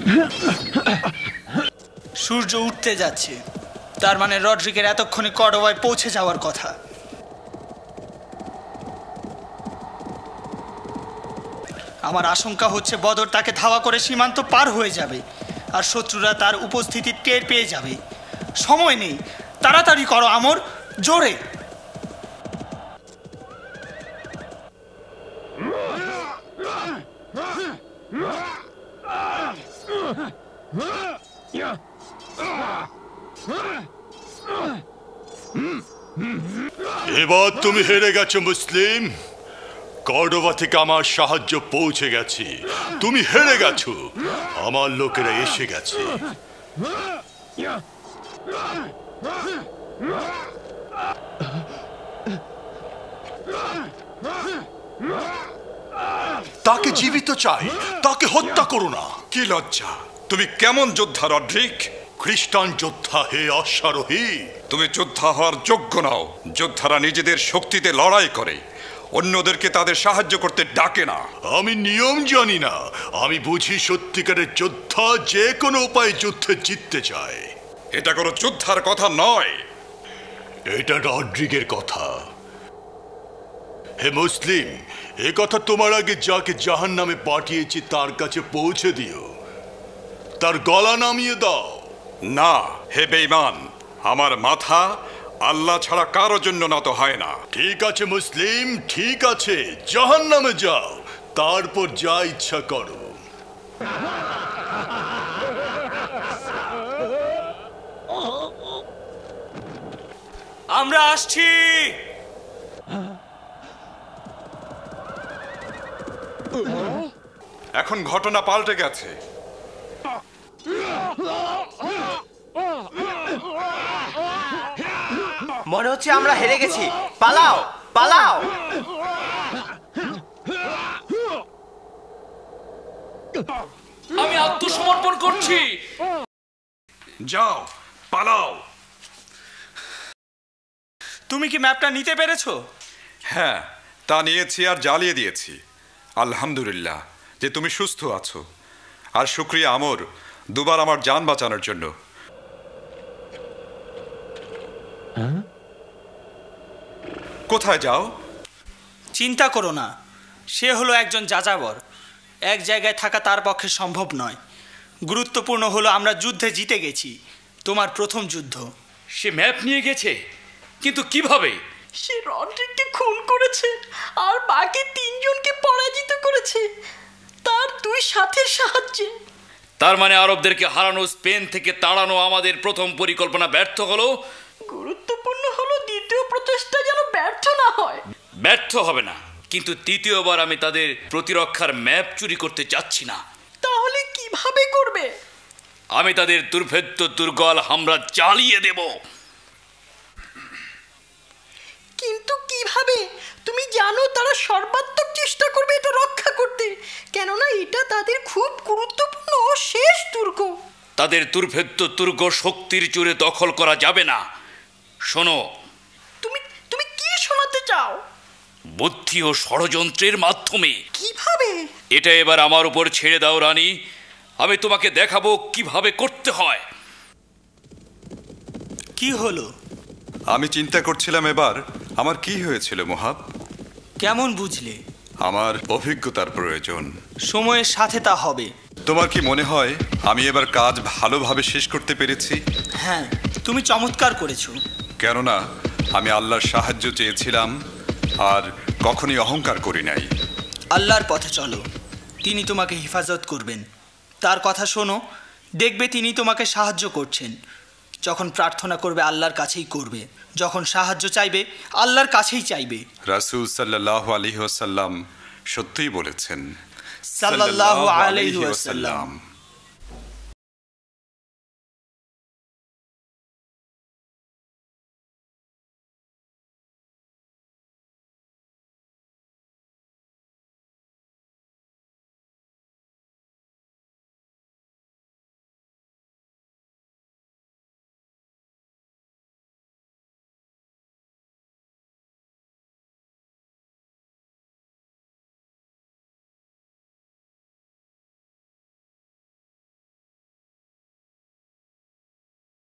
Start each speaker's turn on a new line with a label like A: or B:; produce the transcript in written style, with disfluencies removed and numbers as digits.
A: সূর্য উঠতে যাচ্ছে, তার মানে রড্রিগের এতক্ষণে কর্ডোবায় পৌঁছে যাওয়ার কথা। আমার আশঙ্কা হচ্ছে বদর তাকে ধাওয়া করে সীমান্ত পার হয়ে যাবে, আর শত্রুরা তার উপস্থিতি টের পেয়ে যাবে। সময় নেই, তাড়াতাড়ি করো আমর, জোরে।
B: এবার তুমি হেরে গেছো মুসলিম। কর্ডোবা থেকে আমার সাহায্য পৌঁছে গেছে। তুমি হেরে গেছো, আমার লোকেরা এসে গেছে। তাকে জীবিত চাই, তাকে হত্যা করো না।
C: কি লজ্জা! তুমি কেমন যোদ্ধা রড্রিক?
B: খ্রিস্টান যোদ্ধা হে অশ্বারোহী।
C: তুমি যোদ্ধা হওয়ার যোগ্য নও। যোদ্ধারা নিজেদের শক্তিতে লড়াই করে, অন্যদেরকে তাদের সাহায্য করতে ডাকে না।
B: আমি নিয়ম জানি না, আমি বুঝি সত্যিকারের যোদ্ধা যে কোনো উপায়ে যুদ্ধে জিততে চায়।
C: এটা কোনো যোদ্ধার কথা নয়,
B: এটা রড্রিগের কথা। হে মুসলিম, এ কথা তোমার আগে যাকে জাহান্নামে পাঠিয়েছি তার কাছে পৌঁছে দিও, তার গলা নামিয়ে দাও।
C: না হে বেঈমান, আমার মাথা আল্লাহ ছাড়া কারো জন্য নত হয় না।
B: ঠিক আছে মুসলিম, ঠিক আছে, জাহান্নামে যাও, তারপর যা ইচ্ছা করো।
A: আমরা আসছি।
C: এখন ঘটনা পাল্টে গেছে।
D: মনে হচ্ছে আমরা হেরে গেছি। পালাও, পালাও।
E: আমি আত্মসমর্পণ করছি।
C: যাও, পালাও।
A: তুমি কি ম্যাপটা নিতে পেরেছো?
C: হ্যাঁ, তা নিয়েছি আর জ্বালিয়ে দিয়েছি। আলহামদুলিল্লাহ যে তুমি সুস্থ আছো, আর শুকরিয়া আমর দুবার আমার জান বাঁচানোর জন্য। কোথায় যাও?
A: চিন্তা করো না, সে হলো একজন যাযাবর। এক জায়গায় থাকা তার পক্ষে সম্ভব নয়। গুরুত্বপূর্ণ হলো আমরা যুদ্ধে জিতে গেছি, তোমার প্রথম যুদ্ধ।
E: সে ম্যাপ নিয়ে গেছে, কিন্তু কিভাবে?
F: সে রড্রিককে খুন করেছে আর বাকি তিনজনকে পরাজিত করেছে তার দুই সাথীর সাহায্যে।
E: তার মানে আরবদেরকে হারানো, স্পেন থেকে তাড়ানো আমাদের প্রথম পরিকল্পনা ব্যর্থ হলো।
F: গুরুত্বপূর্ণ হলো দ্বিতীয় প্রচেষ্টা যেন ব্যর্থ না হয়।
E: ব্যর্থ হবে না, কিন্তু তৃতীয়বার আমি তাদের প্রতিরক্ষার ম্যাপ চুরি করতে চাচ্ছি না।
F: তাহলে কিভাবে করবে?
E: আমি তাদের দুর্ভেদ্য দুর্গল হামলা চালিয়ে দেব।
F: কিন্তু কিভাবে? তুমি জানো তারা সর্বাত্মক চেষ্টা করবে এটা রক্ষা করতে, কেননা এটা তাদের খুব গুরুত্বপূর্ণ ও শেষ দুর্গ।
E: তাদের দুর্ভেদ্য দুর্গ শক্তির জোরে দখল করা যাবে না। শোনো,
F: তুমি তুমি কি শোনাতে চাও?
E: বুদ্ধি ও ষড়যন্ত্রের মাধ্যমে।
F: কিভাবে?
E: এটা এবার আমার উপর ছেড়ে দাও রানী, আমি তোমাকে দেখাবো কিভাবে করতে হয়।
A: কি হলো?
C: আমি চিন্তা করছিলাম এবার আমার কি হয়েছিল মোহাব।
A: কেমন বুঝলে?
C: আমার অভিজ্ঞতার প্রয়োজন।
A: সময়ের সাথে তা হবে।
C: তোমার কি মনে হয় আমি এবার কাজ ভালোভাবে শেষ করতে পেরেছি?
A: হ্যাঁ, তুমি চমৎকার করেছো।
C: কেননা আমি আল্লাহর সাহায্য চেয়েছিলাম আর কখনই অহংকার করি নাই।
A: আল্লাহর পথে চলো, তিনি তোমাকে হেফাজত করবেন। তার কথা শোনো, দেখবে তিনি তোমাকে সাহায্য করছেন। যখন প্রার্থনা করবে আল্লাহর কাছেই করবে, যখন সাহায্য চাইবে আল্লাহর কাছেই চাইবে।
C: রাসূল সাল্লাল্লাহু আলাইহি ওয়াসাল্লাম সত্যিই বলেছেন।
A: সাল্লাল্লাহু আলাইহি ওয়াসাল্লাম।